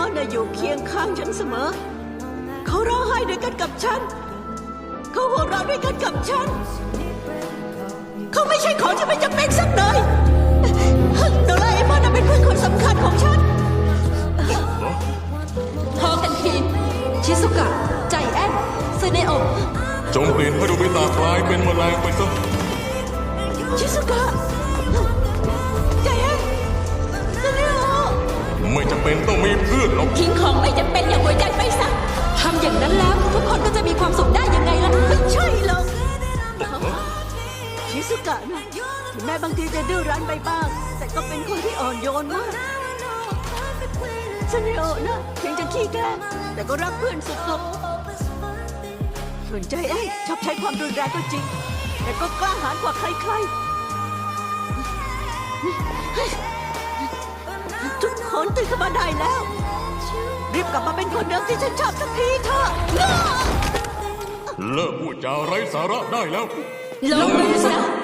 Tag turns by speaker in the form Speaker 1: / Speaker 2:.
Speaker 1: น่ะอยู่เคียงข้างฉันเสมอเขาร้องไห้ด้วยกันกับฉันเขาหัวเราะด้วยกันกับฉันเขาไม่ใช่ของที่ไม่จำเป็นสักหน่อยโดราเอมอนน่ะเป็นเพื่อนคนสำคัญของฉัน
Speaker 2: พอกันทีชิซุกะใจแอนซึเนโอะ
Speaker 3: จงเปลี่ยนให้โดบิตะกลายเป็นแมลงไปซะ
Speaker 1: ชิซุกะใจแอนซึเนโอะ
Speaker 3: ไม่จำเป็นต้องมีเพื่อนหรอก
Speaker 2: ทิ้งของไม่จำเป็นอย่างหัวใจไปซะทำอย่างนั้นแล้วทุกคนก็จะมีความสุขได้ยังไงล่ะ
Speaker 1: ไม่ใช่หรอกชิซุกะนะถึงแม้บางทีจะดื้อรั้นไปบ้างแต่ก็เป็นคนที่อ่อนโยนมากซึเนโอะนะเพียงจะขี้แกล้งแต่ก็รักเพื่อนสุดๆส่วนใจแอนชอบใช้ความรุนแรงก็จริงแต่ก็กล้าหาญกว่าใครๆทุกคนตื่นขึ้นมาได้แล้วรีบกลับมาเป็นคนเดิมที่ฉันชอบสักทีเถอะ
Speaker 3: เลิกพูดจาไร้สาระได้แล้ว
Speaker 2: ลงมือซะ